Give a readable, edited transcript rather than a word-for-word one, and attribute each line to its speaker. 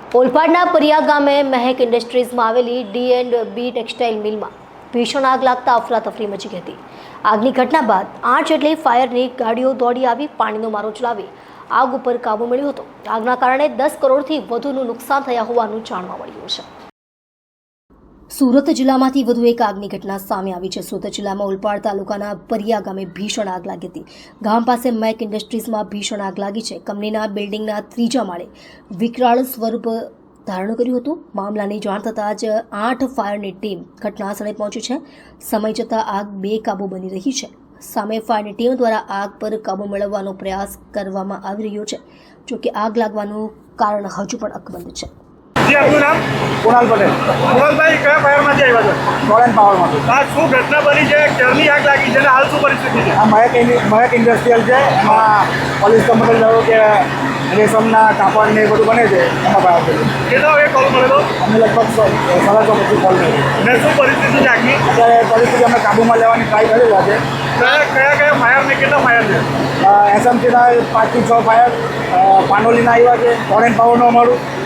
Speaker 1: ઓલપાડના પરિયા ગામે મહેક ઇન્ડસ્ટ્રીઝમાં આવેલી D&B textile મિલમાં ભીષણ આગ લાગતા અફરાતફરી મચી ગઈ હતી। આગની ઘટના બાદ 8 જેટલી ફાયરની ગાડીઓ દોડી આવી પાણીનો મારો ચલાવી આગ ઉપર કાબુ મેળવ્યો હતો। આગના કારણે 10 કરોડથી વધુનું નુકસાન થયા હોવાનું જાણવા મળ્યું છે। સુરત જિલ્લામાંથી વધુ એક આગની ઘટના સામે આવી છે। સુરત જિલ્લામાં ઓલપાડ તાલુકાના પરિયા ગામે ભીષણ આગ લાગી હતી। ગામ પાસે મેક ઇન્ડસ્ટ્રીઝમાં ભીષણ આગ લાગી છે। કંપનીના બિલ્ડિંગના 3જા માળે વિકરાળ સ્વરૂપ ધારણ કર્યું હતું। મામલાની જાણ થતાં જ 8 ફાયરની ટીમ ઘટનાસ્થળે પહોંચી છે। સમય જતાં આગ બેકાબૂ બની રહી છે। સામે ફાયરની ટીમ દ્વારા આગ પર કાબૂ મેળવવાનો પ્રયાસ કરવામાં આવી રહ્યો છે। જોકે આગ લાગવાનું કારણ હજુ પણ અકબંધ છે।
Speaker 2: जी आपનું નામ?
Speaker 3: કુણાલ પટેલ,
Speaker 2: કુણાલભાઈ કયા ફાયરમાંથી આવ્યા છો?
Speaker 3: ટોરેન્ટ પાવરમાંથી।
Speaker 2: આ શું ઘટના બની છે? ક્યારની આગ લાગી છે અને હાલ શું પરિસ્થિતિ છે?
Speaker 3: આ મહેક ઇન્ડસ્ટ્રીયલ છે। એમાં પોલીસ કંપની ધારો કે રેશમના કાપડ ને એ બધું બને છે, એમાં બહાર છે।
Speaker 2: કેટલા વાગે કોલ મળેલો
Speaker 3: અમે લગભગ 6:30 પછી કોલ કર્યો।
Speaker 2: ને શું પરિસ્થિતિ છે આગની?
Speaker 3: અત્યારે પરિસ્થિતિ અમે કાબૂમાં લેવાની ટ્રાય કરી રહ્યા છે।
Speaker 2: કયા ફાયર ને કેટલા ફાયર છે?
Speaker 3: એસએમસીના 5 થી 6 ફાયર, પાનોલીના આવ્યા છે, ટોરેન્ટ પાવરનું અમારું